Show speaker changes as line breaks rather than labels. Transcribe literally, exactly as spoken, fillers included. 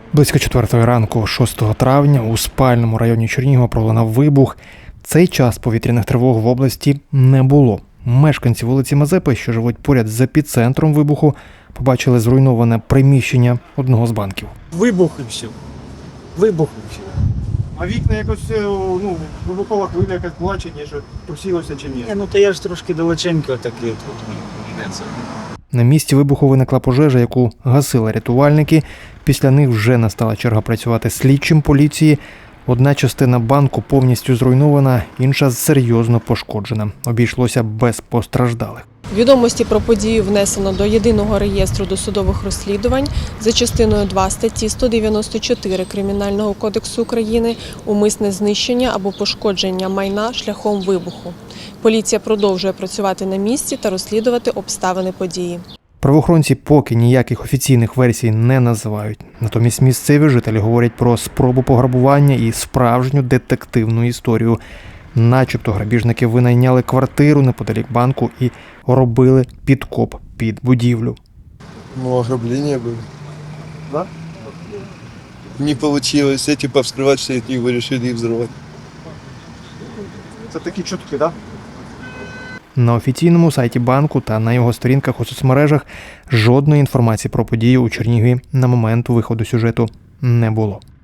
Близько четвертої ранку, шостого травня, у спальному районі Чернігова пролунав вибух. Цей час повітряних тривог в області не було. Мешканці вулиці Мазепи, що живуть поряд з епіцентром вибуху, побачили зруйноване приміщення одного з банків.
Вибух і все. Вибух і все.
А вікна якось, ну, вибухова хвиля якась плаче, ніж просілося чи ні?
Ні, ну то я ж трошки далеченько такий тут. Не це.
На місці вибуху виникла пожежа, яку гасили рятувальники. Після них вже настала черга працювати слідчим поліції. Одна частина банку повністю зруйнована, інша серйозно пошкоджена. Обійшлося без постраждалих.
Відомості про подію внесено до Єдиного реєстру досудових розслідувань за частиною два статті сто дев'яносто чотири Кримінального кодексу України «Умисне знищення або пошкодження майна шляхом вибуху». Поліція продовжує працювати на місці та розслідувати обставини події.
Правоохоронці поки ніяких офіційних версій не називають. Натомість місцеві жителі говорять про спробу пограбування і справжню детективну історію. Начебто грабіжники винайняли квартиру неподалік банку і робили підкоп під будівлю.
Ну, ограбление было.
Да?
Не получилось. Эти повскрывать все от них, вы решили их взорвать.
Це такі чутки, так? Да?
На офіційному сайті банку та на його сторінках у соцмережах жодної інформації про подію у Чернігові на момент виходу сюжету не було.